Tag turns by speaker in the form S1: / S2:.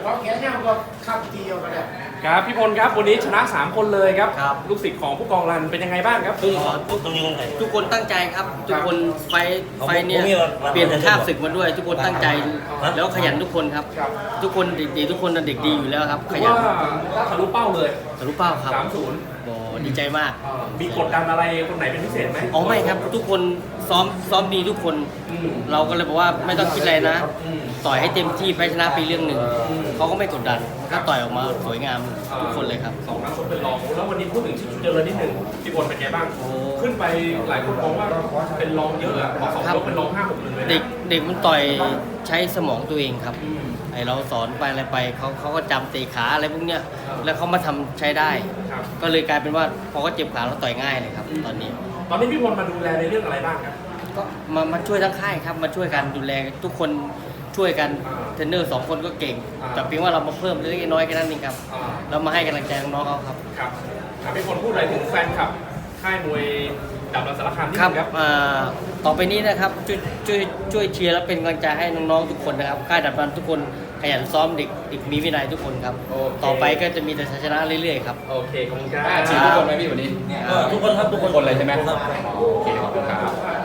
S1: ความแข็งแรงก็ขับเดียวกันเลย
S2: ครับพี่พลครับวันนี้ชนะ3คนเลยครับ
S3: ครับ
S2: ลูกศิษย์ของผู้กองรันเป็นยังไงบ้างครับ
S3: ทุกคนตั้งใจครับทุกคนไฟเนี่ยเปลี่ยนคาบศึกมาด้วย ทุกคนตั้งใจแล้วขยันทุกคนครับ ทุกคนเด็กดีทุกคนเด็กดีอยู่แล้วครับข
S2: ถือ
S3: ยัน
S2: ว่าทะลุเป้าเลย
S3: ทะลุเป้าครับ
S2: 3-0
S3: โอ้ดีใจมาก
S2: มีกดดันอะไรคนไหนเป็นพิเศษไหม
S3: อ๋อไม่ครับทุกคนซ้อมดีทุกคน
S2: อืม
S3: เราก็เลยบอกว่าไม่ต้องคิดอะไรนะ
S2: อืม
S3: ต่อยให้เต็มที่แพ้ชนะไปเรื่องหนึ่งเขาก็ไม่กดดันก็ต่อยออกมาสวยงามทุกคนเลยครับ
S2: 2 นัดชกเป็นรองแล้ววันนี้พูดถึงชิชุเจริญนิดหนึ่งพี่พลเป็นไงบ้าง
S3: โอ้
S2: ขึ้นไปหลายคนมองว่าเป็นรองเยอะอะพอสอง
S3: ครับ
S2: ยกเป็นรอง5-6 1เลยนะ
S3: เด็กมันต่อยใช้สมองตัวเองครับ
S2: อืม
S3: ไอเราสอนไปอะไรไปเขาก็จำเตะขาอะไรพวกเนี้ยแล้วเขามาทำใช้ได้
S2: ครับ
S3: ก็เลยกลายเป็นว่าพอเขาเจ็บขาเราต่อยง่ายเลยครับ ตอนนี้
S2: ตอนนี้พี่พลมาดูแลในเรื่องอะไรบ้างครับ
S3: ก็มาช่วยทั้งค่ายครับมาช่วยกันดูแลทุกคนช่วยกันเทรนเนอร์2 คนก็เก่ง แต่เพียงว่าเรามาเพิ่มเล็กๆน้อยๆแค่นั้นเองครับ
S2: อ่า
S3: เรามาให้กำลังใจน้องๆเขาครับ
S2: ครับพี่พลพูดอะไรถึงแฟนคลับค่ายมวยดับรันสารคามนิด
S3: ครับ
S2: นึงครับ
S3: ต่อไปนี้นะครับช่วยเชียร์และเป็นกำลังใจให้น้องๆทุกคนนะครับค่ายดับรันทุกคนขยันซ้อมเด็กมีวินัยทุกคนครับ
S2: โอเค
S3: ต่อไปก็จะมีแต่ชัยชนะเรื่อยๆครับ
S2: โอเคขอบคุณครับ
S4: ฉีดทุกคนไหมพี่วันนี้
S3: ทุกคนครับทุกคน
S4: เลยใช่ไหม
S2: โอเคขอบคุณครับ